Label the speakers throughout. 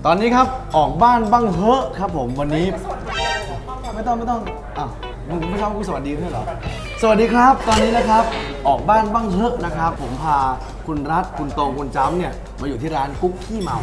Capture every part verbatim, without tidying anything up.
Speaker 1: ตอนนี้ครับออกบ้านบ้างเฮอะครับผมวันนี้ไม่ต้องไม่ต้องอ้าวมึงไม่ชอบกูสวัสดีด้วยเหรอสวัสดีครับตอนนี้นะครับออกบ้านบ้างเฮอะนะครับผมพาคุณรัฐคุณตองคุณจ้ำเนี่ยมาอยู่ที่ร้านกุ๊กขี้เมา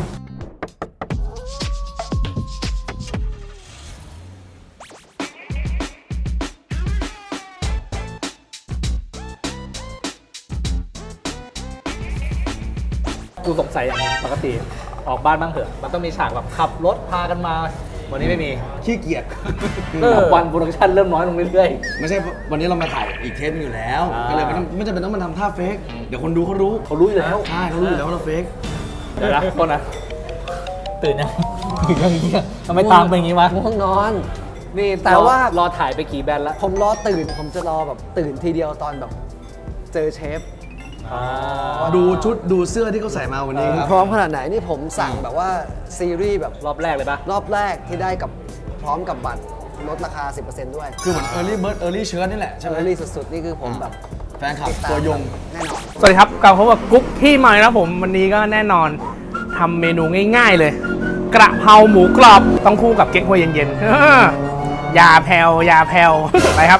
Speaker 2: กูสงสัยอย่างนึงปกติออกบ้านบ้างเถอะมันต้องมีฉากแบบขับรถพากันมาวันนี้ไม่มี
Speaker 1: ขี้เกียจ
Speaker 2: วันโปรดักชั่นเริ่มน้อยลงเรื่อย
Speaker 1: ๆไม่ใช่วันนี้เรามาถ่ายอีกเทปนึงอยู่แล้วก็เลยไม่ต้องไม่จำเป็นต้องมาทำท่าเฟกเดี๋ยวคนดูเขารู้
Speaker 2: เขารู้อยู่แล้ว
Speaker 1: ใช่เขารู้อยู่แล้วว่าเราเฟก
Speaker 2: เดี๋ยวนะคนนะตื่นยังตื่นยังเงี้ยทำไมตามเป็นอย่างงี้วะ
Speaker 3: ง่วงนอน
Speaker 2: นี่
Speaker 3: แต่ว่าร
Speaker 2: อถ่ายไปกี่แบรนด์แล้ว
Speaker 3: ผมรอตื่นผมจะรอแบบตื่นทีเดียวตอนแบบเจอเชฟ
Speaker 1: ดูชุดดูเสื้อที่เขาใส่มาวันนี้ครับ
Speaker 3: พร้อมขนาดไหนนี่ผมสั่งแบบว่าซีรีส์แบบ
Speaker 2: รอบแรกเลยปะ
Speaker 3: รอบแรกที่ได้กับพร้อมกับบัตรลดราคา สิบเปอร์เซ็นต์ ด้วย
Speaker 1: คือเหมือน early bird early shirt นี่แหละใช่ไหม
Speaker 3: เออรี่สุดๆ นี่คือผมแบบ
Speaker 1: แฟนคลับ
Speaker 3: ติดตาม
Speaker 1: ตัวยง
Speaker 3: แน่นอน
Speaker 4: สวัสดีครับกลับพบกับกุ๊กที่ใหม่นะผมวันนี้ก็แน่นอนทำเมนูง่ายๆเลย กระเพราหมูกรอบต้องคู่กับเก๊กฮวยเย็นๆเออยาแผ่วยาแผ่วไปครับ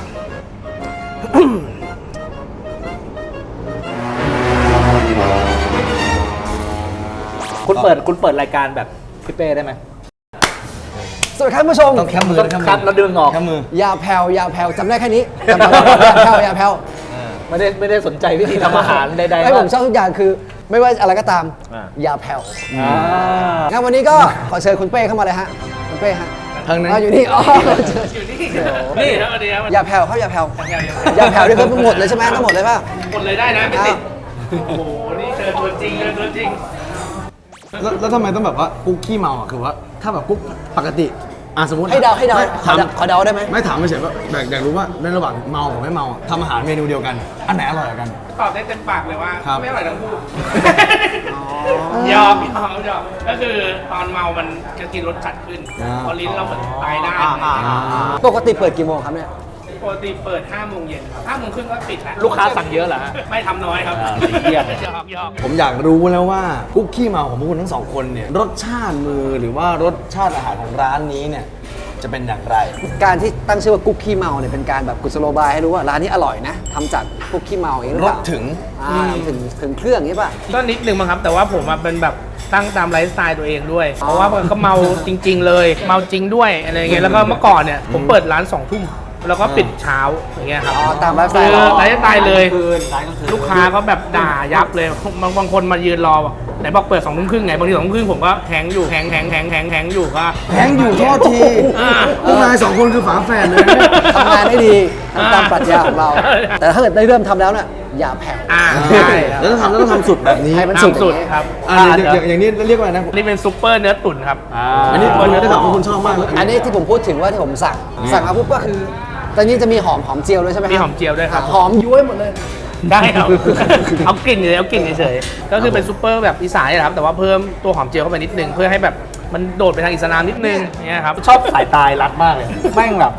Speaker 2: คุณเปิดคุณเปิดรายการแบบพี่เป้ได้ไหม
Speaker 3: สวัสดีครับผู้ชม
Speaker 1: ต้องแคมมือ
Speaker 2: ต้องคัดแล้วดึงออก
Speaker 1: แคมมือ
Speaker 3: ยาแผ่วยาแผ่วจำได้แค่นี้จำได้ยาแผ่วยาแผ่ว
Speaker 2: ไม่ได้ไม่ได้สนใจวิธีทำอาหารใดๆ
Speaker 3: ไอ้ผมชอบทุกอย่างคือไม่ว่าอะไรก็ตาม
Speaker 2: อ่า
Speaker 3: ยาแผ่ว
Speaker 2: อ่า
Speaker 3: งั้นวันนี้ก็ขอเชิญคุณเป้เข้ามาเลยฮะคุณเป้ฮะ
Speaker 1: ทางนั้น
Speaker 3: อ๋ออยู่นี่อ๋อ
Speaker 4: อยู่นี่นี่ครับสวัสดีครับ
Speaker 3: ยาแผ่วเขายาแผ่วยาแผ่วนี่คือทั้งหมดเลยใช่ไหมทั้งหมดเลยป่ะ
Speaker 4: หมดเลยได้นะไม่ติดโอ้โหนี่เจอตัวจริงเจอตัวจริง
Speaker 1: แล้วแล้วทำไมต้องแบบว่ากุ๊กขี้เมาอ่ะคือว่าถ้าแบบกุ๊กปกติอ่ะสมมติ
Speaker 3: ให้เดาให้เดา
Speaker 1: ไม่
Speaker 3: ขอ
Speaker 1: ถาม
Speaker 3: เดาขอเดาได้ไหม
Speaker 1: ไม่ถามไม่เฉยว่าอยากอยากรู้ว่าในระหว่างเมากับไม่เมาอ่ะทำอาหารเมนูเดียวกัน อันไหนอร่อยกว่ากัน
Speaker 4: ตอบได้เต็มปากเลยว่า
Speaker 1: ครับ
Speaker 4: ไม่อร่อยทั้งคู่ยอมยอมยอมก็คือตอนเมามันจะกินรสจัดขึ้นพอลิ้นเราเหมือนตายได้
Speaker 3: ปกติเปิดกี่โมงครับเนี่ย
Speaker 4: ปกติเปิดห้าโมงเย็นห้าโมงครึ่งก็ปิดแล้ว
Speaker 2: ลูกค้าสั่งเยอะเหรอฮะ
Speaker 4: ไม่ทำน้อยครับ
Speaker 2: อ่าเยี่ยม
Speaker 4: ยอกยอก
Speaker 1: ผมอยากรู้แล้วว่ากุ๊กขี้เมาของพวกคุณทั้งสองคนเนี่ยรสชาติมือหรือว่ารสชาติอาหารของร้านนี้เนี่ยจะเป็นอย่างไร
Speaker 3: การที่ตั้งชื่อว่ากุ๊กขี้เมาเนี่ยเป็นการแบบกุศโลบายให้รู้ว่าร้านนี้อร่อยนะทำจากกุ๊กขี้เมาอย่างนี้หรือ
Speaker 1: ร
Speaker 3: เป
Speaker 1: ส
Speaker 3: ล่า
Speaker 1: ถึง
Speaker 3: อ่าถึงถึงเครื่องอย่างนี้ป่ะ
Speaker 4: ก็นิดนึงมั้งครับ แต่ว่าผมอะเป็นแบบตั้งตามไลฟ์สไตล์ตัวเองด้วย เพราะว่ามันก็เมาจริง ๆ เลย เมาจริงด้วยอะไรอย่างเงี้ยแล้วก็เมื่อก่อนเนี่ยผมเปิดร้านสองทุ่มแล้วก็ปิดเช้าอย่างเงี้ยครับ
Speaker 3: อ๋อตามไลฟ์สไต
Speaker 4: คื
Speaker 3: ล์
Speaker 4: อ
Speaker 3: เรา
Speaker 4: ไลฟ์สไตล์เลย
Speaker 2: คืนร้านกลางคืน
Speaker 4: ลูกค้าก็แบบด่ายับเลยบางบางคนมายืนรอบอกไหนบอกเปิดสองทุ่มครึ่งไงบางทีสองทุ่มครึ่งผมก็แฮงอยู่แฮงแฮงแฮงแฮงแฮงอยู่ก็
Speaker 1: แพงอยู่โทษที
Speaker 4: อ่า
Speaker 1: พวกนายสองคนคือฝาแฝดเลยนะ
Speaker 3: ทำงานได้ดีทำตามปรัชญาของเรา แต่ถ้าเกิดได้เริ่มทำแล้วเนี่ยอย่าแผ่ว
Speaker 4: อ่า
Speaker 1: ใช่
Speaker 4: ใช่
Speaker 1: แล้วต้องทำแล้วต้องทำสุดแบบนี้
Speaker 3: ให้มันสุด
Speaker 4: น้ำสุดครับ
Speaker 1: อ่าอย่างอย่างอย่างนี้เรียกว่าอะไรนะ
Speaker 4: นี่เป็นซุปเปอร์เนื้อตุ๋นครับ
Speaker 2: อ่า
Speaker 1: อันนี้คนได้ข่าวว่าคุณชอบมากเลย
Speaker 3: อันนี้ที่ผมพูดถึงว่าที่ผมสั่งสั่งมาปุ๊บก็คือตอนนี้จะมีหอมหอมเจียวด้วยใช่ไหมครับ
Speaker 4: มีหอมเจียวด้วยครับ
Speaker 3: หอมย้วยหมดเลย
Speaker 4: ได้ครับ เอากลิ่นเลยเอากลิ่นเฉยๆก็คือเป็นซุปเปอร์แบบอีสานนี่แหละครับแต่ว่าเพิ่มตัวหอมเจียวเข้าไปนิดนึงเพื่อให้แบบมันโดดไปทางอิสลามนิดนึงเนี่ยครับ
Speaker 2: ชอบสายตายรัดมากเลยแม่งแบบ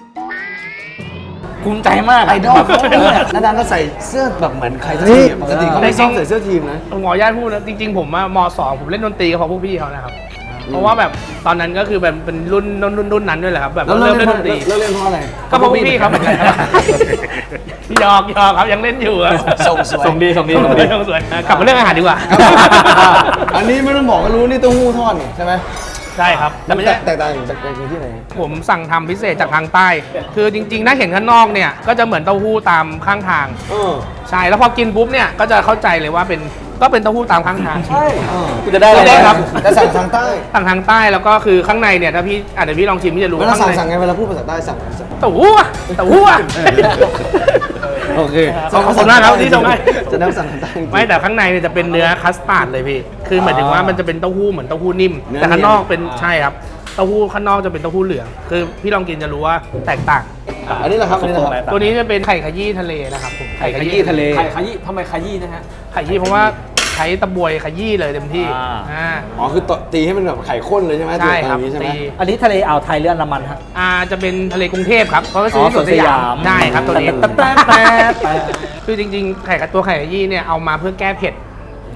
Speaker 2: ภูมิใจมากะ
Speaker 1: ไอดอลเขาเนี่ยนาดานก็ใส่เสื้อแบบเหมือนใครสักทีปกติเขาไม่ชอบใส่เสื้อทีมนะ
Speaker 4: หมอญาติพูดนะจริงๆผมว่ามสองผมเล่นดนตรีกับพวกพี่เขานะครับเพราะว่าแบบตอนนั้นก็คือแบบเป็นรุ่นรุ่นรุ่นรุ่นนั้นด้วยแหละครับแบบ
Speaker 1: แล้ว
Speaker 4: เริ่
Speaker 1: เลิ
Speaker 4: ม
Speaker 1: ก
Speaker 4: เล่
Speaker 1: เล่
Speaker 4: น
Speaker 1: น
Speaker 4: ดนตรี
Speaker 1: เลิกเล่นเพราะอะไร
Speaker 4: ก็เพราะพวกพี่ครับหยอกหยอกครับยังเล่นอยู่อะ
Speaker 1: ส่งสวย
Speaker 2: ส่งดีส่งดี
Speaker 4: ส่
Speaker 2: ส่
Speaker 4: ง
Speaker 2: ง
Speaker 4: ดี
Speaker 2: ดี
Speaker 4: ส่งสวยกลับมาเรื่องอาหารดีกว่า
Speaker 1: อันนี้ไม่ต้องบอกก็รู้นี่เต้าหู้ทอดนี่ใช่ไหม
Speaker 4: ใช่ครับแต่ไม่ใช่
Speaker 1: แตกต่างจากที่ไหน
Speaker 4: ผมสั่งทำพิเศษจากทางใต้ คือจริงๆ ถ้าเห็นข้างนอกเนี่ย ก็จะเหมือนเต้าหู้ตามข้างทาง
Speaker 1: เออ
Speaker 4: ใช่ แล้วพอกินปุ๊บเนี่ย ก็จะเข้าใจเลยว่าเป็น ก็เป็นเต้าหู้ตามข้างทาง
Speaker 1: ใช่เออ
Speaker 2: กูจะได้อะไร
Speaker 4: ได้ครับ
Speaker 1: แต่สั่งทางใต้
Speaker 4: สั่งทางใต้แล้วก็คือข้างในเนี่ย ถ้าพี่อ่ะเดี๋ยวพี่ลองชิมพี่จะรู้
Speaker 1: เวลา
Speaker 4: ข้าง
Speaker 1: สั่ง
Speaker 4: ใน
Speaker 1: สั่งไงเวลาพูดภาษาใต้สั่งสั่ง
Speaker 4: เต้าหู้อะเต้าหู้อะ
Speaker 1: โอเค
Speaker 4: ขอบคุณมากครับที่ส่งให้
Speaker 1: จะนั่งสั่งทางใต้จริงๆ
Speaker 4: ไม่แต่ข้างในเนี่ยจะเป็นเนื้อคัสตาร์ดเลยพี่ คือหมายถึงว่ามันจะเป็นเต้าหู้เหมือนเต้าหู้นิ่ม
Speaker 1: เนื้อ
Speaker 4: แต่ข้างนอกเป็น
Speaker 1: เนียน
Speaker 4: ใช่ครับ เต้าหู้ข้างนอกจะเป็นเต้าหู้เหลือง คือพี่ลองกินจะรู้ว่าแตกต่าง
Speaker 1: อันนี้แหละครับอันนี้แหละครับ
Speaker 4: ตัวนี้จะเป็นไข่ขยี้ทะเลนะครับผม
Speaker 2: ไข่ขยี้ทะเลไข่ขยี้ทำไมขยี้นะฮะ
Speaker 4: ไข่ขยี้เพราะว่าใช้ตะบวยขยี้เลยเต็มที่
Speaker 2: อ่า
Speaker 4: อ่า
Speaker 1: อ๋อคือตตีให้มันแบบไข่ข้นเลยใช่ไหม
Speaker 4: ใช่ครับ
Speaker 1: ตัวนี้ใช่ไหม
Speaker 4: ตี
Speaker 2: อันนี้ทะเลอ่าวไทยเรืออันดามันฮะ
Speaker 4: อ่าจะเป็นทะเลกรุงเทพครับเพราะว่าซื้อที่สวนสยามใช่ครับตัวนี้
Speaker 2: แป๊บแป๊บแป๊บแป๊บ
Speaker 4: คือจริงๆไข่กับตัวไข่ขยี้เนี่ยเอามาเพื่อแก้เผ็ด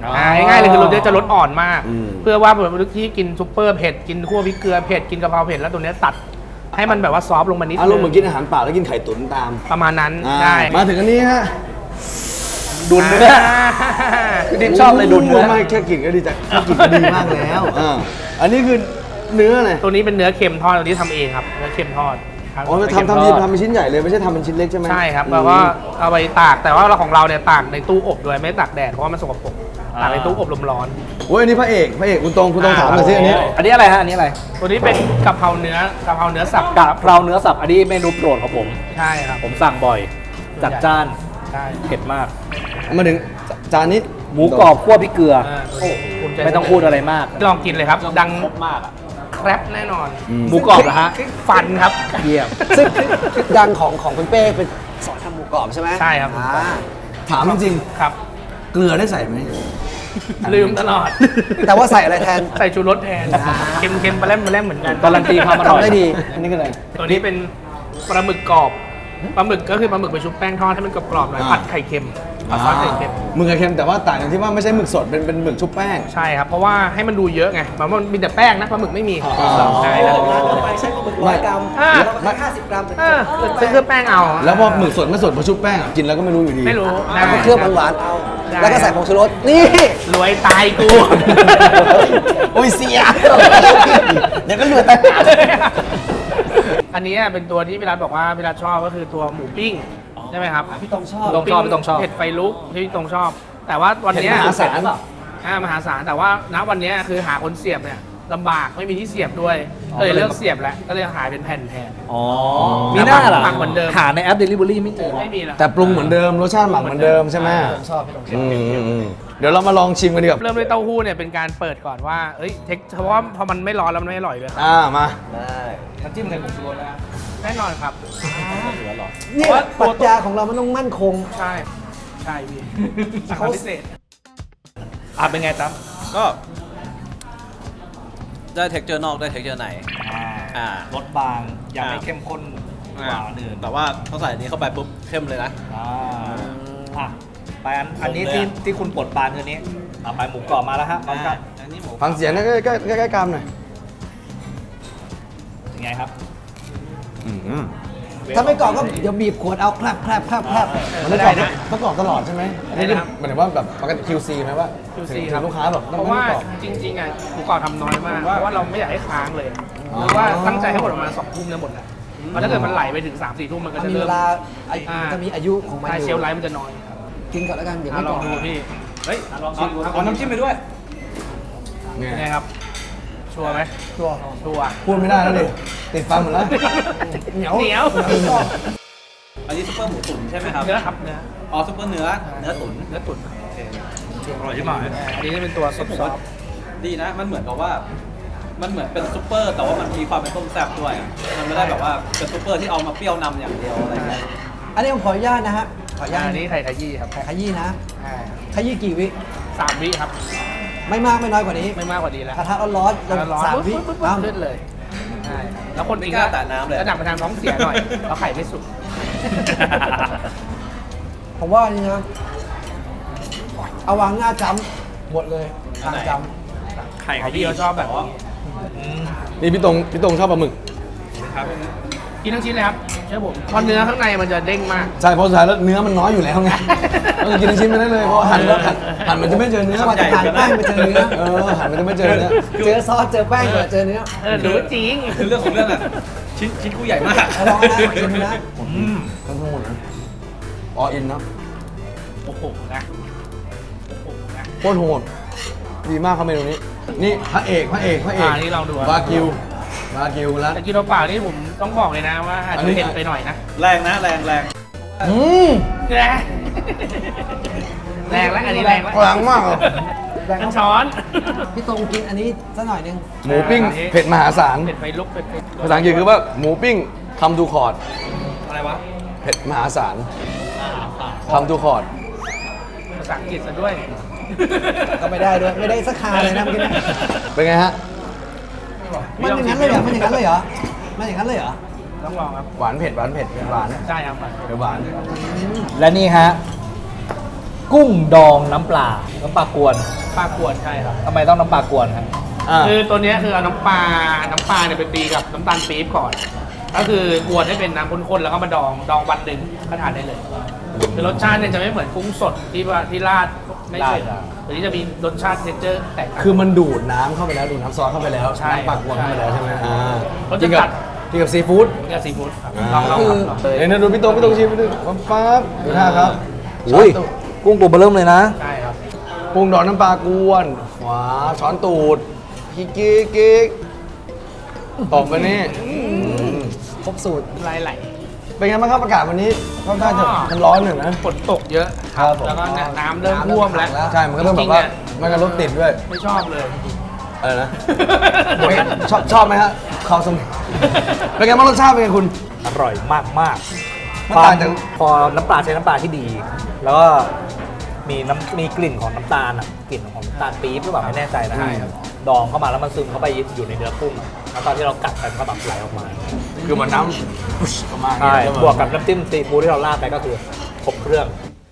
Speaker 4: อ่าง่ายๆเลยคือรสเนี้ยจะรสอ่อนมาก
Speaker 1: อืม
Speaker 4: เพื่อว่าแบบที่กินซุปเปอร์เผ็ดกินคั่วพริกเกลือเผ็ดกินกะเพราเผ็ดแล้วตัวเนี้ยตัดให้มันแบบว่าซอฟต์ลงมานิด
Speaker 1: อารมณ์เห
Speaker 4: นึ
Speaker 1: มือนกินอาหารเปล่าแล้วกินไข่ตุ๋นตาม
Speaker 4: ประมาณนั้น
Speaker 1: อ่า
Speaker 4: ได้
Speaker 1: มาถึงอันนี้ฮะ
Speaker 2: ดุนเนื้อคือดิมชอบเลยดุนเนื้อ
Speaker 1: ไม่แค่กลิ่นก็ดีจังแค่กลิ่นก็ดีมากแล้วอ่าอันนี้คือเนื้ออะไร
Speaker 4: ตัวนี้เป็นเนื้อเค็มทอดตัวนี้ทำเองครับเนื้อเค็มทอดครับ
Speaker 1: อ๋อทำทำทีทำเป็นชิ้นใหญ่เลยไม่ใช่ทำเป็นชิ้นเล็กใช่ไหม
Speaker 4: ใช่ครับแล้วก็เอาไปตากแต่ว่าเราของเราเนี่ยตากในตู้อบด้วยไม่ตากแดดเพราะว่ามันสกปรกตากในตู้อบลมร้อน
Speaker 1: โอ้ยอันนี้พระเอกพระเอกคุณตรงคุณตรงถามหน่อยสิอันนี้
Speaker 2: อันนี้อะไรฮะอันนี้อะไร
Speaker 4: ตัวนี้เป็นกะเพราเนื้อกะเพราเนื้อสับ
Speaker 2: กะเพราเนื้อสับอันนี้เมนูโปรดของผม
Speaker 4: ใช่ครับ
Speaker 2: ผมสั่งบ่อย จัดจ้าน
Speaker 4: ใช่
Speaker 2: เผ็ดมาก
Speaker 1: มาถึงจานนี้
Speaker 2: หมูกรอบคั่วพริกเกลือ
Speaker 4: อ่าตัวนี้ภูใจ
Speaker 2: ไม่ต้องพูดอะไรมาก
Speaker 4: ลองกินเลยครับ ดัง
Speaker 2: ครบมากอ่ะ
Speaker 4: แครบแน่นอน
Speaker 2: หมูกรอบเหรอฮะ
Speaker 4: ฟันครับ
Speaker 2: เยี่ยม
Speaker 3: ซึ่งดังของของคุณเป้เป็นสอนทำหมูกรอบใช่ไหม
Speaker 4: ใช่ครับ
Speaker 3: อ่า
Speaker 1: ถามจริง
Speaker 4: ครับ
Speaker 1: ๆเกลือได้ใส่ไหม
Speaker 4: ลืมตลอด
Speaker 3: แต่ว่าใส่อะไรแทน
Speaker 4: ใส่ชูรสแทนเค็มเค็มปลาแรมปลาแรมเหมือนกัน
Speaker 2: การันตีความอร่อย
Speaker 3: ทำได้ดี
Speaker 1: อันนี้ก็อะไร
Speaker 4: ตัวนี้เป็นปลาหมึกกรอบปลาหมึกก็คือปลาหมึกไปชุบแป้งทอดให้มันกรอบๆหน่อย
Speaker 1: อ่า
Speaker 4: ผัดไข่เค็มผัดซอสไข่เค็ม
Speaker 1: หมึกกับเค็มแต่ว่าต่างกันที่ว่าไม่ใช่หมึกสดเป็นเป็นหมึกชุบแป้ง
Speaker 4: ใช่ครับ เพราะว่าให้มันดูเยอะไงมันมันมีแต่แป้งนะปลาหมึกไม่มี
Speaker 1: อ๋อ
Speaker 4: ใช่ครับ
Speaker 3: ใช้ปลาหมึกร้อยกรัม
Speaker 4: อ่า
Speaker 3: แล้วก็ห้าสิบกรัมเป็น
Speaker 4: เออซื้อเครื่องแป้งเอา
Speaker 1: แล้วพอหมึกสดไม่สดพอชุบแป้งอ่ะกินแล้วก็ไม่รู้อยู่ดี
Speaker 4: ไม่รู้
Speaker 3: แล้วก็เครื่องหวานๆเอา
Speaker 4: ได้
Speaker 3: แล้วก็ใส่ผงชูรส นี่
Speaker 4: รวยตายกู
Speaker 1: โอ้ยเสียเดี๋ยวก็เหลือแต่
Speaker 4: อันนี้เป็นตัวที่พี่รัฐบอกว่าพี่รัฐชอบก็คือตัวหมูปิ้งใช่ไหมครับ
Speaker 3: พี่ตรงชอบ
Speaker 2: พี่ตรงชอบพี่ตรงชอบ
Speaker 4: เผ็ดไฟลุกที่พี่ตรงชอบ แต่ว่าวันเนี้ย
Speaker 1: เผ็ดมหาศาล
Speaker 4: อ่ามหาศาลแต่ว่าณวันเนี้ยคือหาคนเสียบเนี่ยลำบากไม่มีที่เสียบด้วยก็เลยเลิกเสียบแล้วก็เลยหายเป็นแผ่นแทน
Speaker 2: อ๋อ มีหน้าเหรอ
Speaker 4: ปังเหมือนเดิม
Speaker 2: หาในแอป Delivery ไม่เจอ
Speaker 4: ไม่มีแล้ว
Speaker 1: แต่ปรุงเหมือนเดิมรสชาติหมักเหมือนเดิมใช่ไหม
Speaker 3: ชอบพี่ตรง
Speaker 1: อืมอืมอืมเดี๋ยวเรามาลองชิมกันดีกว่า
Speaker 4: เริ่มด้วยเต้าหู้เนี่ยเป็นการเปิดก่อนว่าเอ้ยเทคเพราะว่าพอมันไม่ร้อนแล้วมันไม่อร่อยเลย
Speaker 1: อ่ามา
Speaker 2: น้ำจิ้มไข่ผงชูรสนะ
Speaker 4: แน่นอนครับ
Speaker 3: นี่ปรัชญาของเรามันต้องมั่นคง
Speaker 4: ใช่ใช่พี่สั่งมาพิเศษ
Speaker 2: อ่ะเป็นไงตั้ม
Speaker 5: ก็ได้เท็กเจอร์นอกได้เท็กเจอร์ใน อ่า
Speaker 2: รสบางยังไม่
Speaker 5: อ่า
Speaker 2: เข้มข้นกว่าอันอื่น
Speaker 5: แต่ว่าเขาใส่อันนี้เข้าไปปุ๊บเข้มเลยนะ
Speaker 2: อ่าอ่ะไปอันอันนี้
Speaker 5: ผมเลย
Speaker 2: ที่
Speaker 5: อะ
Speaker 2: ที่คุณปลดปานคือนี้อ่ะไปหมูกรอบมาแล้วฮะพร้อมกับ
Speaker 5: อันนี้หมู
Speaker 1: ฟังเสียงนะใกล้ใกล้ใกล้ใกล้กรามหน่อย
Speaker 2: ยังไงครับ
Speaker 1: อืม
Speaker 3: ถ้าไม่กรอบก็เดี๋ยวบีบขวดเอาแคลบแคลบแคลบแคลบ
Speaker 1: มันต้องกรอบต้องกรอบตลอดใช่ไหมอันนี้หมายถึงว่าแบบปกติ คิว ซี ไหมว่า
Speaker 4: คิว
Speaker 1: ถึ
Speaker 4: ซี
Speaker 1: ง
Speaker 4: ครับ
Speaker 1: ลูกค้าแบบต้
Speaker 4: เพ
Speaker 1: อง
Speaker 4: ราะ
Speaker 1: ไม่
Speaker 4: ว่า
Speaker 1: กรอบ
Speaker 4: จริงๆอ่ะหมูกรอบทำน้อยมากเพราะว่าเราไม่อยากให้ค้างเลยหรือว่าตั้งใจให้หมดประมาณสองทุ่มเนี่ยหมดแหละเพราะถ้าเกิดมันไหลไปถึงสามสี่ทุ่มมันก็
Speaker 3: มัน
Speaker 4: จะ
Speaker 3: มี
Speaker 4: เริ่
Speaker 3: เว
Speaker 4: ม
Speaker 3: ลาอายุ
Speaker 4: อ่า
Speaker 3: จะมีอายุของมัน
Speaker 4: ใช่
Speaker 3: อ
Speaker 4: เช
Speaker 3: ยู่
Speaker 4: ลฟ์ไลท์มันจะน้อย
Speaker 3: กินก่อนแล้วกันเดี๋ยว
Speaker 4: อ่ะ
Speaker 3: ไม่
Speaker 4: ล
Speaker 3: กร
Speaker 4: อ
Speaker 3: อง บ
Speaker 4: ดูพี่
Speaker 2: เฮ้ยเอาเอาน้ำจิ้มไปด้วย
Speaker 1: ไง
Speaker 4: ยังไงครับ ชัวร์ไหม
Speaker 3: ตัว
Speaker 4: ชัวร์
Speaker 1: พูดไม่ได้แล้วดิติดฟันหมดแล้ว
Speaker 4: เหนียวเหนียว
Speaker 5: อันนี้ซุปเปอร์หมูตุ๋นใช่ไหมครับ
Speaker 4: เนื้อครับเนื้อ
Speaker 5: อ๋อซุปเปอร์เนื้อ เนื้อตุ๋น
Speaker 4: เนื้อตุ๋น
Speaker 5: อร่อยที่หมาย
Speaker 4: อันนี้จะเป็นตัวซอฟต์
Speaker 5: ดีนะ มันเหมือนกับว่า มันเหมือนเป็นซุปเปอร์ แต่ว่ามันมีความเป็นต้มแซ่บด้วยอะมันไม่ได้แบบว่าเป็นซุปเปอร์ที่เอามาเปรี้ยวนำอย่างเดียวอะไรเงี้ย
Speaker 3: อันนี้ผมขออนุญาตนะฮะขออนุญาต
Speaker 4: อันนี้ไข่ขยี้ครับ
Speaker 3: ไข่ขยี้นะ
Speaker 4: อ่า
Speaker 3: ขยี้กี่วิ
Speaker 4: สามวิครับ
Speaker 3: ไม่มากไม่น้อยกว่านี้
Speaker 4: ไม่มากกว่านี้แล้ว
Speaker 3: กระทะร้อนๆแล้ว
Speaker 4: ร้อน
Speaker 3: สามวิ
Speaker 4: ปุ๊บปุ๊บปุ๊บ
Speaker 3: อ้าว
Speaker 4: ขึ้นเลยใช่แล้วคน
Speaker 5: ไม่
Speaker 4: อีก
Speaker 5: กล้าแตะน้ำเลย
Speaker 4: ระดับไปทางท้องเสียหน่อยเพราะไข่ไม่สุก
Speaker 3: ผมว่าอันนี้นะเอาวางหน้าจำหมดเลยทางจ
Speaker 5: ไข่
Speaker 4: เขาพี่เขาชอบแบบนี้
Speaker 1: นี่พี่ตรงพี่ตรงชอบปลาหมึก
Speaker 4: กินทั้งชิ้นเลยครับเชื่อผมเพราะเนื้อข้างในมันจะเด้งมาก
Speaker 1: ใช่เพราะสุดท้ายแล้วเนื้อมันน้อยอยู่แล้วไงต้องกินทั้งชิ้นไปได้เลยเพราะหั่นแล้วหั่นหั่นมันจะไม่เจอเนื้อ
Speaker 3: ำมาจะทานแป้งไปเจอเนื้อ
Speaker 1: เออหั่นมันจะไม่เจอเนื้อ
Speaker 3: เจอซอสเจอแป้งเจอเจอเนื้อ
Speaker 4: เออรู้จริง
Speaker 5: คือเรื่องของเรื่องอะชิ้นชิ้นกูใหญ่มาก
Speaker 3: เอาลองนะชิมนะ
Speaker 1: ทั้งหมดนะออินเนาะ
Speaker 4: โอ้โหนะโอ้โหนะ
Speaker 1: โคตรโหดดีมากครับเมนูนี้ นี่พระเอกพระเอกพระเอก
Speaker 4: อ่านี่ลองดูอ่ะ
Speaker 1: วากิววากิวแล้ว
Speaker 4: แต่กินเปล่าๆนี่ผมต้องบอกเลยนะว่าอาจ
Speaker 1: อัน
Speaker 4: จะ
Speaker 1: นี้
Speaker 4: เผ็ดไปหน่อยนะ
Speaker 5: แรงนะ แรงแรง
Speaker 1: อืม
Speaker 4: แรงแรงแล้วอันนี้แรงแล้ว
Speaker 1: พลังมากเลย
Speaker 4: กันช้อน
Speaker 3: พี่ตรงกินอันนี้สักหน่อยหนึง
Speaker 1: หมูปิ้ง
Speaker 4: อ่า
Speaker 1: เผ็ดมหาศาล
Speaker 4: เผ็ดไฟลุกเผ็ดไฟ
Speaker 1: ภาษาอังกฤษคือว่าหมูปิ้งคำทูคอร์ด
Speaker 2: อะไรวะ
Speaker 1: เผ็ดมหาศาลคำทูคอร์ด
Speaker 4: ภาษาอังกฤษซะด้วย
Speaker 3: ก็ไม่ได้ด้วยไม่ได้สักคาเลยนะเมื่อกี้นะ
Speaker 1: เป็นไงฮะ
Speaker 3: มันอย่างนั้นเลยเหรอมันอย่างนั้นเลยเหรอมันอย่างนั้นเลยเหรอ
Speaker 4: ต้องลองครับ
Speaker 1: หวานเผ็ดหวานเผ็ดเผ็ดหวาน
Speaker 4: ใช่ครับ
Speaker 1: เผ็ดหวาน
Speaker 2: และนี่ฮะกุ้งดองน้ำปลา น้ำปลากวน
Speaker 4: ปลากวนใช่ครับ
Speaker 2: ทำไมต้องน้ำปลากวนครับ
Speaker 1: อ่า
Speaker 4: คือตัวเนี้ยคือเอาน้ำปลา น้ำปลาเนี่ยไปตีกับน้ำตาลปี๊บก่อน ก็คือกวนให้เป็นน้ำข้นๆแล้วก็มาดอง ดองวันหนึ่งก็ทานได้เลยคือรสชาติเนี่ยจะไม่เหมือนกุ้งสดที่ว่าที่ราดไม่ใช่
Speaker 2: ราด
Speaker 4: ตัวนี้จะมีรสชาติเทคเจอร์แตกต่าง
Speaker 1: คือมันดูดน้ำเข้าไปแล้วดูดน้ำซอสเข้าไปแล้ว
Speaker 4: ใช่
Speaker 1: น้ำปักวนเข้าไปแล้วใช่ไหมอ่า
Speaker 4: เขา
Speaker 1: กิ
Speaker 4: จะ
Speaker 1: นกั
Speaker 4: ตั
Speaker 1: บ
Speaker 4: ด
Speaker 1: กินกับซีฟู้ด
Speaker 4: เนี่ยซีฟู้ดครับ
Speaker 1: อ่า
Speaker 4: ลองลองครับลองเลย
Speaker 1: เดี๋ยวนะดูพี่ตรงพี่ตรงชิมไปดูปั๊บปั๊บดูท่าครับ
Speaker 2: อุ้ย กุ้งตัวเบอร์เริ่มเลยนะ
Speaker 4: ใช่ครับ
Speaker 1: ปรุงดอกน้ำปลากวนขวาช้อนตูดกิ๊กกิ๊กกิ๊กตบไปนี่
Speaker 3: ครบสูตร
Speaker 4: ลายไหล
Speaker 1: เป็นไงบ้างครับอากาศวันนี้ค่อนข้างจะ
Speaker 4: ก็
Speaker 1: มันร้อนหนึ่งนะ
Speaker 4: ฝนตกเยอะ
Speaker 1: ครับผม
Speaker 4: แล้วก็เนี่ยน้ำเริ่มท่วมแล้ว
Speaker 1: ใช่ มันก็เริ่มแบบว่ามันก็รถติดด้วย
Speaker 4: ไม่ชอบเลย
Speaker 1: อะไรนะ ชอบชอบไหมฮะข้าวสมเป็นไงบ้างรสชาติเป็นไงคุณ
Speaker 2: อร่อยมากมาก
Speaker 1: มันต่างจาก
Speaker 2: พอน้ำปลาใช้น้ำปลาที่ดี แล้วก็มีน้ำมีกลิ่นของน้ำตาลอ่ะกลิ่นของน้ำตาลปี๊บหรือเปล่าไม่แน่ใจนะ
Speaker 1: ใช่ครับ
Speaker 2: ดองเข้ามาแล้วมันซึมเข้าไปอยู่ในเนื้อกุ้งอะแล้วตอนที่เรากัดไปมันก็แบบไหลออกมา
Speaker 1: คือมันน้ำปุ๊ชออกมา
Speaker 2: ใช่
Speaker 1: อย่างเงี้ย
Speaker 2: บวกกับน้ำจิ้มซีฟู้ดที่เราราดไปก็คือครบเครื่อง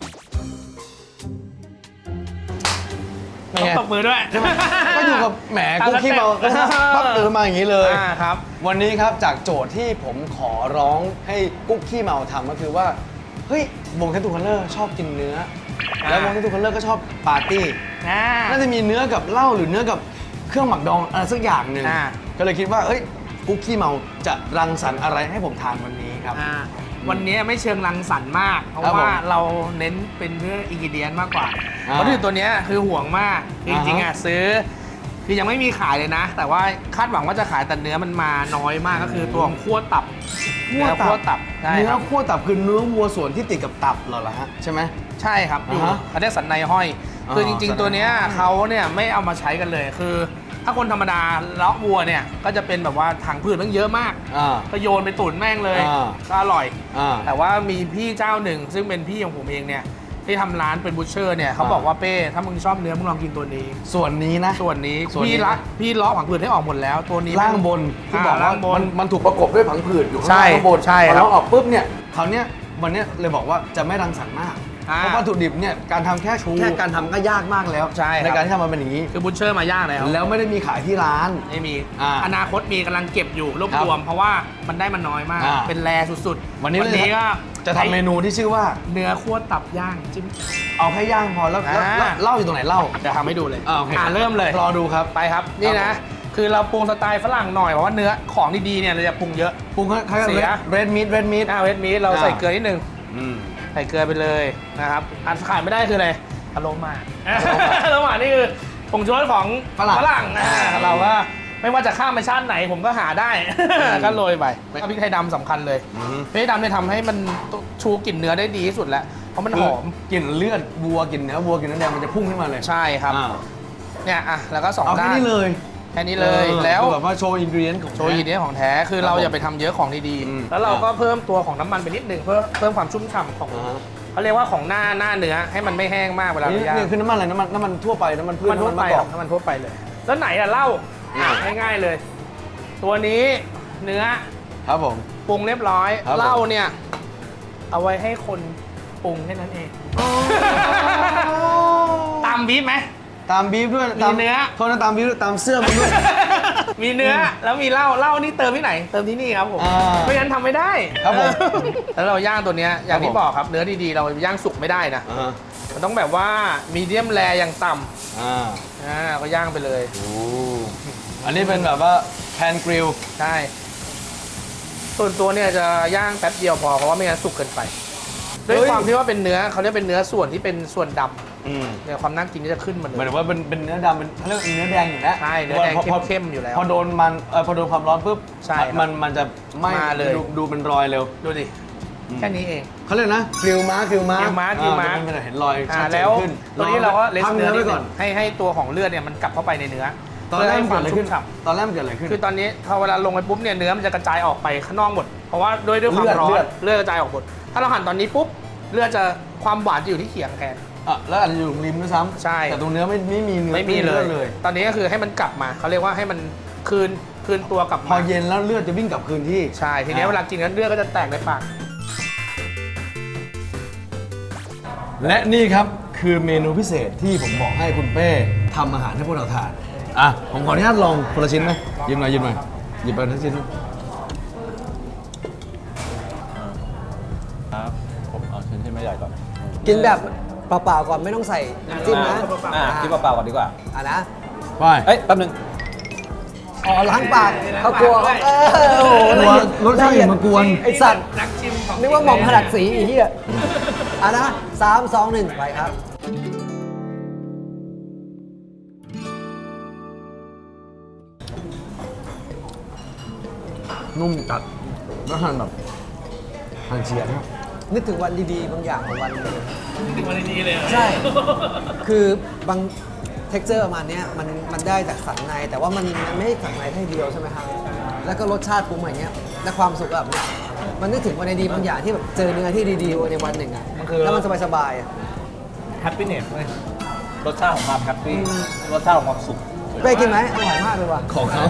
Speaker 1: เป็นไง
Speaker 4: ตบมือด้วย
Speaker 1: ก็อยู่กับแหมกุ๊กขี้เมาก็ปั๊บเออมาอย่างนี้เลย
Speaker 4: อ่าครับ
Speaker 1: วันนี้ครับจากโจทย์ที่ผมขอร้องให้กุ๊กขี้เมาทำก็คือว่า เฮ้ยวงแททูคัลเลอร์ชอบกินเนื้อ
Speaker 4: อ่า
Speaker 1: แล้ววงแททูคัลเลอร์ก็ชอบปาร์ตี้
Speaker 4: อ่า
Speaker 1: น่าจะมีเนื้อกับเหล้าหรือเนื้อกับเครื่องหมักดองอะไรสักอย่างหนึ่ง
Speaker 4: อ่า
Speaker 1: ก็เลยคิดว่าเอ้ยกุ๊กขี้เมาจะรังสรรค์อะไรให้ผมทานวันนี้ครับ
Speaker 4: อ่าวันนี้ไม่เชิงรังสรรค์มาก เพราะ
Speaker 1: ครับผม
Speaker 4: ว่าเราเน้นเป็นเรื่องอินกิเดียนมากกว่า
Speaker 1: อ่า
Speaker 4: วัตถุดิบตัวเนี้ยคือห่วงมากคือจริงๆ
Speaker 1: อ่า
Speaker 4: อ่ะ
Speaker 1: ฮะ
Speaker 4: ซื้อ คือยังไม่มีขายเลยนะ แต่ว่าคาดหวังว่าจะขายแต่เนื้อมันมาน้อยมากก็คือตัวของคั่วตับเนื้อคั่วตับใช่
Speaker 1: เนื้
Speaker 4: ค
Speaker 1: อ
Speaker 4: รับ
Speaker 1: คั่วตับคือเนื้อวัวส่วนที่ติดกับตับเหรอล่ะฮะใช่ไหม
Speaker 4: ใช่ครับอยู่
Speaker 1: อ่าฮะ
Speaker 4: เขาเรียกสันในห้อย
Speaker 1: อ่า
Speaker 4: คือจริง
Speaker 1: สันใน
Speaker 4: ๆ ตัวเนี้ยเขาเนี่ยไม่เอามาใช้กันเลย คือ ถ้าคนธรรมดาเลาะวัวเนี่ยก็จะเป็นแบบว่าถังผืดมันเยอะมาก
Speaker 1: อ่า
Speaker 4: ก็โยนไปตุ๋นแม่งเลย
Speaker 1: อ่า
Speaker 4: ก็อร่อย
Speaker 1: อ่า
Speaker 4: แต่ว่ามีพี่เจ้าหนึ่ง ซึ่งเป็นพี่ของผมเองเนี่ยที่ทำร้านเป็นบูชเชอร์เนี่ยเขา
Speaker 1: อ่า
Speaker 4: บอกว่าเป้ถ้ามึงชอบเนื้อมึงลองกินตัวนี้
Speaker 1: ส่วนนี้นะ
Speaker 4: ส่วนนี้
Speaker 1: ส่วนนี้
Speaker 4: พี่ละพี่เลาะผังผืดให้ออกหมดแล้ว ตัวนี้
Speaker 1: ล่างบนที่บอก
Speaker 4: ล่า
Speaker 1: ว่าง
Speaker 4: บ
Speaker 1: มัน นมันถูกประกบด้วยผังผืดอยู่ข้าง
Speaker 4: ใช่
Speaker 1: ล่างข้างบน
Speaker 4: ใช่
Speaker 1: พอ
Speaker 4: ครับ
Speaker 1: เราออกปุ๊บเนี่ยคราวเนี้ยวันเนี้ยเลยบอกว่าจะไม่รังสรรค์มาก
Speaker 4: อ่า
Speaker 1: เพราะวัตถุดิบเนี่ยการทำแค่
Speaker 4: ถูก
Speaker 1: แค่การทำก็ยากมากแล้ว
Speaker 4: ใช่ครับ
Speaker 1: การที่ทำมันเป็นอย่างนี้
Speaker 4: คือบูชเชอร์มายากแล้ว
Speaker 1: แล้วไม่ได้มีขายที่ร้าน
Speaker 4: ไม่มี
Speaker 1: อ่า
Speaker 4: อนาคตมีกำลังเก็บอยู่รวบ
Speaker 1: ครับ
Speaker 4: รวม เพราะว่ามันได้มันน้อยมาก
Speaker 1: อ่า
Speaker 4: เป็นแรสุดๆ
Speaker 1: วันนี้
Speaker 4: วันนี้ก็
Speaker 1: จะทำเมนูที่ชื่อว่า
Speaker 4: เนื้อคั่วตับย่างจิ้ม
Speaker 1: เอาแค่ย่างพอแล้วแล้ว
Speaker 4: อ่า
Speaker 1: แล้วเหล่าอยู่ตรงไหนเหล่า
Speaker 4: จะทำให้ดูเลย
Speaker 1: อ่าโอเค
Speaker 4: เริ่มเลย
Speaker 1: รอดูครับ
Speaker 4: ไปครับนี่
Speaker 1: ครั
Speaker 4: นะ
Speaker 1: บ
Speaker 4: คือเราปรุงสไตล์ฝรั่งหน่อยเพราะว่าเนื้อของดีๆเนี่ยเราจะปรุงเยอะ
Speaker 1: ปรุงคล้ายๆ
Speaker 4: เสีย
Speaker 1: เรดมิดเรดมิด
Speaker 4: หน้าเวทมีเรา
Speaker 1: อ่า
Speaker 4: ใส่เกลือนิดนึง
Speaker 1: อืม
Speaker 4: ใส่เกลือไปเลยนะครับอันขาดไม่ได้คืออะไรอโรมาอโรมานี่คือผงชูรสของ
Speaker 1: ฝรั่ง
Speaker 4: ฝรั่งอ่าเราก็ไม่ว่าจะข้ามไปชาติไหนผมก็หาได้ ก็โรยไปแล้วพริกไทยดำสำคัญเลย
Speaker 1: อืม
Speaker 4: พริกไทยดำเนี่ยทำให้มันชูกลิ่นเนื้อได้ดีที่สุดแล้วเพราะมันหอม
Speaker 1: กลิ่นเลือดวัวกลิ่นเนื้อวัวกลิ่นเนื้อแดงมันจะพุ่งขึ้นมาเลย
Speaker 4: ใช่ครับ
Speaker 1: อ่า
Speaker 4: เนี่ยอ่ะแล้วก็สอง
Speaker 1: เอาแค่
Speaker 4: ด้าน
Speaker 1: นี้เลย
Speaker 4: แค่นี้เลย
Speaker 1: ออ
Speaker 4: แล้ว
Speaker 1: คือแบบว่าโชว์อินกรีเดียนของ
Speaker 4: โชว์อีเดียของแท้คือเราอย่าไปทำเยอะของดี
Speaker 1: อืม
Speaker 4: ๆแล้วเราก็เพิ่มตัวของน้ำมันไปนิดนึงเพื่อเพิ่มความชุ่มฉ่ำของ
Speaker 1: อ่าฮะ
Speaker 4: เขาเรียกว่าของหน้าหน้าเนื้อให้มันไม่แห้งมากเวลา
Speaker 1: นี่
Speaker 4: เราย่าง
Speaker 1: นี่คือน้ำมันอะไรน้ำมันน้ำมันทั่วไปน้ำมันพืช
Speaker 4: มันทั่ว
Speaker 1: น้ำ
Speaker 4: ไป
Speaker 1: มันมะก
Speaker 4: ค
Speaker 1: อ
Speaker 4: รั
Speaker 1: ก
Speaker 4: บมันทั่วไปเลย แล้วไหนล่ะเหล้า
Speaker 1: อืม
Speaker 4: ง่ายๆเลย ตัวนี้เนื้อ
Speaker 1: ครับผม
Speaker 4: ปรุงเรียบร้อย
Speaker 1: ครับผม
Speaker 4: เหล้าเนี่ย เอาไว้ให้คนปรุงแค่นั้นเอง ตามบีบไหม
Speaker 1: ตามบีฟด้วย
Speaker 4: มี
Speaker 1: ตาม
Speaker 4: เนื้อ
Speaker 1: โทษนะตามบีฟด้วยตามเสื้อมันด้วย
Speaker 4: มีเนื้อแล้วมีเหล้าเหล้านี่เติมที่ไหน เติมที่นี่ครับผม
Speaker 1: อ่า
Speaker 4: ไม่งั้นทำไม่ได้
Speaker 1: ครับผม
Speaker 4: แล้วเราย่างตัวเนี้ยอย่างที่
Speaker 1: ครับผม
Speaker 4: บอกครับเนื้อดีๆเราย่างสุกไม่ได้นะ
Speaker 1: อ่า
Speaker 4: มันต้องแบบว่ามีเดียมแรอย่างต่
Speaker 1: อ่า
Speaker 4: ำอ่าก็ย่างไปเลย
Speaker 1: โอ้อันนี้เป็นแบบว่าแพนกริล
Speaker 4: ใช่ ส่วนตัวเนี่ยจะย่างแป๊บเดียวพอเพราะว่าไม่งั้นสุกเกินไป ด้วยความที่ว่าเป็นเนื้อเขาเรียกเป็นเนื้อส่วนที่เป็นส่วนด
Speaker 1: อืม
Speaker 4: ำเนี่ยความน่ากินก็จะขึ้นมาเล
Speaker 1: หมาย
Speaker 4: ย
Speaker 1: ถึงว่าเป็นเป็นเนื้อดำเป็นเขาเรียกเนื้อแดงอยู่แล้ว
Speaker 4: ใช่เนื้อแดง
Speaker 1: พพ
Speaker 4: เข้มๆอยู่แล้ว
Speaker 1: พอโดนมันเออพอโดนความร้อนปุ๊บ
Speaker 4: ใช่ครับ
Speaker 1: มันมันจะไหม่
Speaker 4: มาเลย
Speaker 1: ดูดูเป็นรอยเร็ว
Speaker 4: ดูดิ
Speaker 1: อืม
Speaker 4: แค่นี้เอง
Speaker 1: เขาเรียกนะกริลม้ากริลม้าก
Speaker 4: ริลม้ากริลม้า
Speaker 1: อ่จะเป็นเห็นรอย
Speaker 4: อ่า
Speaker 1: ชัดเจ
Speaker 4: แล้
Speaker 1: น
Speaker 4: ว
Speaker 1: ขึ้น
Speaker 4: ตัวนี้เราก็เลส
Speaker 1: พัก
Speaker 4: เนื้
Speaker 1: เนื้
Speaker 4: อ
Speaker 1: อ ไว้ก่อน
Speaker 4: นิดนึงให้ให้ตัวของเลือดเนี่ยมันกลับเข้าไปในเนื้อ
Speaker 1: ตอนแรกมัน
Speaker 4: เพื่
Speaker 1: เกิดอะไร
Speaker 4: ให้
Speaker 1: ขึ้น
Speaker 4: ชุ่มฉ่
Speaker 1: ตอนแรกมันเกิดอะไรขึ้น
Speaker 4: ำคือตอนนี้พอเวลาลงไปปุ๊บเนี่ยเนื้อมันจะกระจายออกไปข้างนอกหมด เพราะว่าด้วยด้วยความ
Speaker 1: เลือด
Speaker 4: ร้อ
Speaker 1: เลื
Speaker 4: น
Speaker 1: อด
Speaker 4: เลือดกระจายออกหมด ถ้าเราหั่นตอนนี้ปุ๊บเลือดจะความหวานจะอยู่ที่เขียงแทน
Speaker 1: อ่ะแล้วอาจจะอยู่ริมด้วยซ้ำ
Speaker 4: ใช่
Speaker 1: แต่ตรงเนื้อไม่ไม่มีเนื้อ
Speaker 4: ไม่มีเลย
Speaker 1: เลย
Speaker 4: ตอนนี้ก็คือให้มันกลับมาเขาเรียกว่าให้มันคืนคืนตัวกลับ
Speaker 1: พอ
Speaker 4: มา
Speaker 1: เย็นแล้วเลือดจะวิ่งกลับคืนที่
Speaker 4: ใช่ ทีนี้
Speaker 1: อ่า
Speaker 4: เวลากินกันเลือดก็จะแตกในปาก
Speaker 1: และนี่ครับคือเมนูพิเศษที่ผมบอกให้คุณเป้ทำอาหารให้พวกเราทานอ่ะผมขออนุญาตลองคนละชิ้นไหมหยิบหน่อยหยิบหน่อยหยิบไปทั้งชิ้น
Speaker 5: ครับผมเอาชิ้นที่ไม่ใหญ่ก่อน
Speaker 3: กินแบบเปล่าๆก่อนไม่ต้องใส่น้ำจิ้มนะ
Speaker 5: อ่าคิดเปล่าๆก่อนดีกว่า
Speaker 3: อ่ะนะ
Speaker 1: ไป
Speaker 5: เอ้ยแป๊บนึง
Speaker 3: อ๋อล้างปากเขากลัวเออโอ้โห
Speaker 1: กลัวรสชาติมากวน
Speaker 3: ไอสัตว์
Speaker 4: นักชิมของ
Speaker 3: นึกว่าหม่อมขนาดสีอีกที่อ่ะอ่ะนะสามสองหนึ่งไปครับ
Speaker 1: นุ่มจัดแล้วหั่นแบบหั่นเฉียงครับ
Speaker 3: นึกถึงวันดีๆ บางอย่างของวันหนึง
Speaker 4: ถึงวันนี้เลย
Speaker 3: ใช่ คือบางเท็กเจอร์ประมาณเนี้ยมันมันได้จากสันใน แต่ว่ามันมันไม่ได้สันในแค่เดียวใช่ไหมครับ แล้วก็รสชาติปรุงอย่างเงี้ย และความสุขแบบเนี้ยมันนึกถึงวันดีๆบางอย่างที่แบบเจอเนื้อที่ดีๆในวันหนึ่งอ่ะ แล้วมันสบายๆอ่ะ
Speaker 2: แฮปปี้เนสเลยรสชาติของความแฮปปี้รสชาติของความสุข
Speaker 3: เป้กินไหมอร่อยมากเลยว่ะ
Speaker 1: ของเขา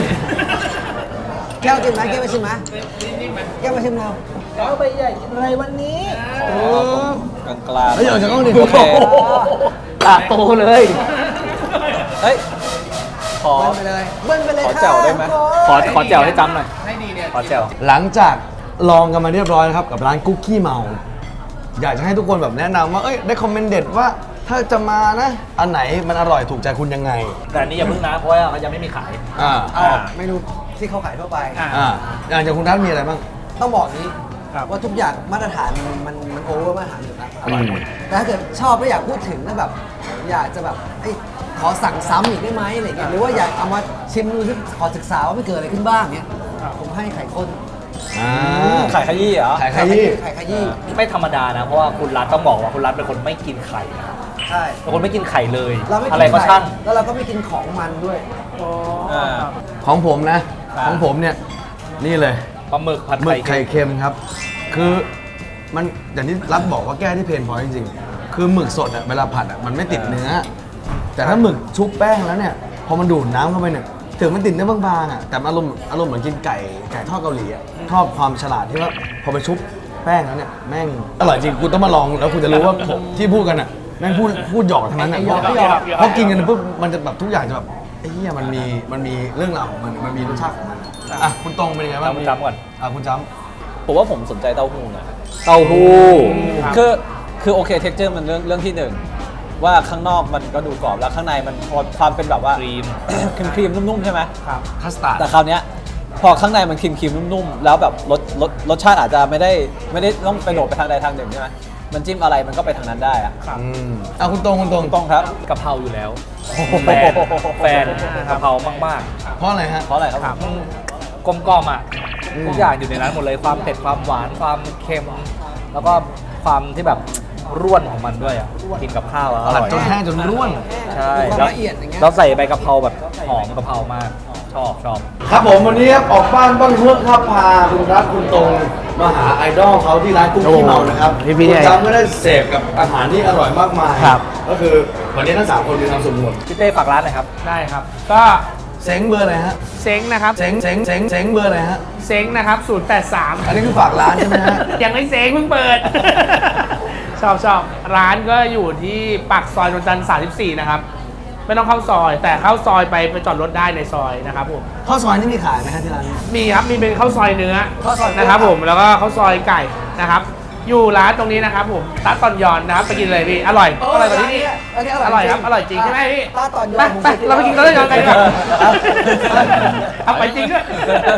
Speaker 3: แก้วกินไหมแก้วมาชิมไหมแก้วมาชิมเรา
Speaker 2: แล้วไปใหญ่อะไรวันนี้
Speaker 1: โอ้
Speaker 5: กลางกลาง
Speaker 1: เฮ้ยเอาจากกล้องดิ
Speaker 5: โอเค
Speaker 2: ตาโตเลย
Speaker 5: เฮ้ย ขอ
Speaker 3: เบิ้ลไปเลยเบิ้ลไปเลย
Speaker 5: ขอแจ่วได้ไหม
Speaker 2: ขอขอแจ่วให้จำหน่อย
Speaker 4: ให้ดีเนี่ย
Speaker 2: ขอแจ่ว
Speaker 1: หลังจากลองกันมาเรียบร้อยนะครับกับร้านกุ๊กกี้เมา อยากจะให้ทุกคนแบบแนะนำว่าเอ้ยได้คอมเมนต์เด็ดว่าถ้าจะมานะ อันไหนมันอร่อยถูกใจคุณยังไง
Speaker 2: แต่อันนี้อย่าเพิ่งนะเพราะว่าเขายังไม่มีขาย
Speaker 1: อ่า
Speaker 3: เอาออกเมนูที่เขาขายทั่วไป
Speaker 4: อ่ะ
Speaker 1: อ่าอย่างจากคุณทัศน์มีอะไรบ้าง
Speaker 3: ต้องบอกนี้
Speaker 4: ครับ
Speaker 3: ว่าทุกอย่างมาตรฐานมันมันมันโอเวอร์มาตรฐานอยู่แล้วอร่อยหมด
Speaker 1: อืม
Speaker 3: แต่ถ้าเกิดชอบแล้วอยากพูดถึงแล้วแบบ อยากจะแบบเอ้ยขอสั่งซ้ำอีกได้ไหมอะไรเงี้ยหรือว่าอยากเอามาชิมดูที่ขอศึกษาว่ามันเกิดอะไรขึ้นบ้างเนี้ยผมให้ไข่ข้น
Speaker 1: อ่า
Speaker 5: ขายขยี้เหรอ
Speaker 1: ขายขยี้
Speaker 3: ไข่ขยี้
Speaker 2: ไม่ธรรมดานะ เพราะว่าคุณรัฐต้องบอกว่าคุณรัฐเป็นคนไม่กินไข่นะ
Speaker 3: ใช่
Speaker 2: เป็นคนไม่กินไข่เลย
Speaker 3: เราไม่กิน
Speaker 2: อะไรก็
Speaker 3: ไข่
Speaker 2: ช่าง
Speaker 3: แล้วเราก็ไม่กินของมันด้วย
Speaker 5: อ่า
Speaker 1: ของผมนะ
Speaker 5: ครับ
Speaker 1: ของผมเนี่ยนี่เลย
Speaker 2: ปลาหมึกผัด
Speaker 1: หมึ
Speaker 2: ไข่
Speaker 1: กไข่เค็มครับ คือมันอย่างที่รัฐบอกว่าแก้ที่เพนพอยต์จริงๆ คือหมึกสดอะเวลาผัดอะมันไม่ติดเนื้อ แต่ถ้าหมึกชุบแป้งแล้วเนี่ย พอมันดูดน้ำเข้าไปเนี่ย ถึงมันติดเนื้อบางๆอะแต่อารมณ์อารมณ์เหมือนกินไก่ไก่ทอดเกาหลีอะชอบความฉลาดที่ว่าพอไปชุบแป้งแล้วเนี่ยแม่งอร่อยจริงคุณต้องมาลองแล้วคุณจะรู้ว่าผมที่พูดกันอะแม่งพูดพูดหยอกทั้งนั้นอะ
Speaker 3: ไอ้หยอกไอ้หยอก
Speaker 1: เพราะกินกันปุ๊บมันจะแบบทุกอย่างจะแบบไอ้เหี้ยมันมีมันมีเรื่องราวของมันมันมีรสชาติของมันอะอ่ะคุณตรงเป็นยังไงบ้าง
Speaker 2: จำจำก่อน
Speaker 1: อ่ะคุณจำ
Speaker 5: ผมว่าผมสนใจเต้าหู้นะ
Speaker 2: เต้าหู้
Speaker 5: คือคือโอเคเท็กเจอร์มันเรื่องเรื่องที่หนึ่งว่าข้างนอกมันก็ดูกรอบแล้วข้างในมันพอความเป็นแบบว่า
Speaker 2: ครีม
Speaker 5: ครีมครีมนุ่มๆใช่ไหม
Speaker 2: ครับ
Speaker 1: คัสตาร์ด
Speaker 5: แต่คราวเนี้ยพอข้างในมันครีมครีมนุ่มๆแล้วแบบรสรสรสชาติอาจจะไม่ได้ไม่ได้ต้องไปโดดไปทางใดทางหนึ่งใช่ไหมมันจิ้มอะไรมันก็ไปทางนั้นได้อะ
Speaker 2: ครับ
Speaker 1: อืมอ่ะคุณตรงคุณตรง
Speaker 5: ต้องครับ
Speaker 2: กะเพราอยู่แล้วแฟนแฟนกะเพรามาก
Speaker 1: เพราะอะไรฮะ
Speaker 5: เพราะอะไรครับ
Speaker 2: ๆครับกลมกล่อมอ่ะ
Speaker 1: อืม
Speaker 2: ทุกอย่างอยู่ในนั้นหมดเลยความเผ็ดความหวานความเค็ม แล้วก็ความที่แบบร่วนของมันด้วยอ่ะกินกับข้าวอะอ
Speaker 1: ผัด
Speaker 2: ร่อย
Speaker 1: จนแห้งจนร่วน
Speaker 2: ใช่
Speaker 3: มีความ
Speaker 2: แล้ว
Speaker 3: ละเอียดอย่างเงี้ย
Speaker 2: เราใส่ใบกะเพราแบบหอมกะเพรามากชอบชอบ
Speaker 1: ครับผมวันนี้ครับออกบ้านบ้างเพื่อครับพาคุณรัฐคุณตรงมาหาไอดอลเขาที่ร้านกุ๊กกี้เมานะครับ
Speaker 4: พี่พี่
Speaker 1: คุณจำก็ได้เสพกับอาหารที่อร่อยมากมาย
Speaker 4: ครับ
Speaker 1: ก็คือวันนี้ทั้งสามคนมีความสุขหมด
Speaker 2: พี่เต้ฝากร้านหน่อยครับ
Speaker 4: ได้ครับ ก็
Speaker 1: เซ้งเบอร์อะไรฮะ
Speaker 4: เซ้งนะครับ
Speaker 1: เซ้งเซ้งเซ้งเซ้งเบอร์อะไรฮะ
Speaker 4: เซ้งนะครับศูนย์แปดสาม
Speaker 1: อันนี้คือฝากร้านใช่ไหมฮะ
Speaker 4: ยังไม่เซ้งเพิ่งเปิด ชอบชอบร้านก็อยู่ที่ปากซอยนนทจันทร์สามสิบสี่นะครับ ไม่ต้องเข้าซอย แต่เข้าซอยไปไปจอดรถได้ในซอยนะครับผม
Speaker 1: ข้าวซอยนี่มีขายไหมฮะที่ร้าน
Speaker 4: มีครับ มีเป็นข้าวซอยเนื้อ
Speaker 3: ข้าวซอยเนื้อ
Speaker 4: นะครับผม แล้วก็ข้าวซอยไก่นะครับ อยู่ร้านตรงนี้นะครับผมตาตอนยอนนะครับ ไปกินเลยพี่ อร่อย อร่อยกว่าที่นี่
Speaker 3: อันนี้
Speaker 4: อร่อยครับ อร่อยจริงใช่ไหมพี่
Speaker 3: ตาตอนยอ
Speaker 4: ไป
Speaker 3: นผม
Speaker 4: ไป
Speaker 3: คย
Speaker 4: เราไปกินข้าวต้มยำกันดีกว่าเอาไปจริงด้วย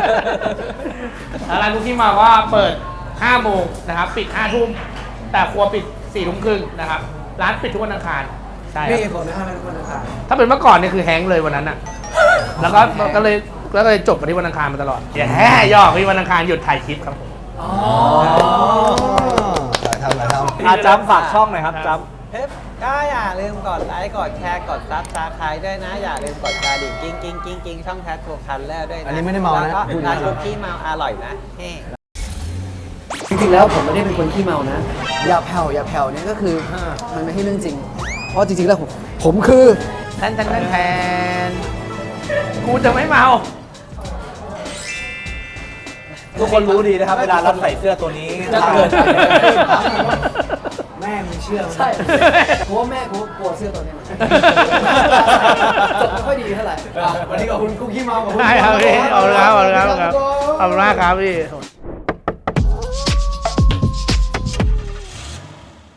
Speaker 4: ร้านคุกกี้มาว่าเปิดห้าโมงนะครับ ปิดห้าทุ่ม แต่ครัวปิดสี่ทุ่มครึ่งนะครับ ร้านปิดทุกวันอังคาร ใช่ค
Speaker 3: มี
Speaker 4: รับ
Speaker 3: เหตุผลไหมครับทุกคนนะครับ
Speaker 4: ถ้าเป็นเมื่อก่อนเนี่ยคือแฮงก์เลยวันนั้นอะแล้วก็ก็เลยแล้วก็เลยจบมาที่วันอังคารมาตลอดอย่าแห่ยอกที่วันอังคารหยุดถ่ายคลิปครับผม
Speaker 1: อ๋อหลายทำหลายทำ
Speaker 2: อาจำฝากช่องหน่อยครับจ
Speaker 6: เฮ้ยก็อย่าลืมกดไลค์กดแชร์กดซับสไครต์ด้วยนะ อย่าลืมกดกระดิ่งกิ้งกิ้งกิ้งกิ้งช่องแท็ทูคันแล้วด้วยนะ
Speaker 1: อันนี้ไม่ได้เมานะ
Speaker 6: แล้วก็
Speaker 1: พูดนะ
Speaker 6: ร้านคุกกี้เมาอร่อยนะเฮ้
Speaker 3: จริงๆแล้วผมไม่ได้เป็นคนขี้เมานะ อย่าแผ่วอย่าแผ่วเนี่ยก็คือมันไม่ใช่เรื่องจริง เพราะจริงๆแล้วผมผมคือ
Speaker 4: แทนแทนแทนแทนกูจะไม่เมา
Speaker 2: ำทุกคนรู้ดีนะครับ เวลาเราใส่เสื้อตัวนี้
Speaker 5: จะเกิด
Speaker 1: ไ
Speaker 3: แม่มึงเชื่อใช่ เพราะว่าแม่กูกลัวเสื้อตัวนี้มันจบไม่ค่อยดีเท่าไหร่
Speaker 1: วันนี้ขอบคุณคุกกี้มาขอบคุณ
Speaker 4: ได้ครับพี่เอาละครับเอาละครับเอาละครับพี่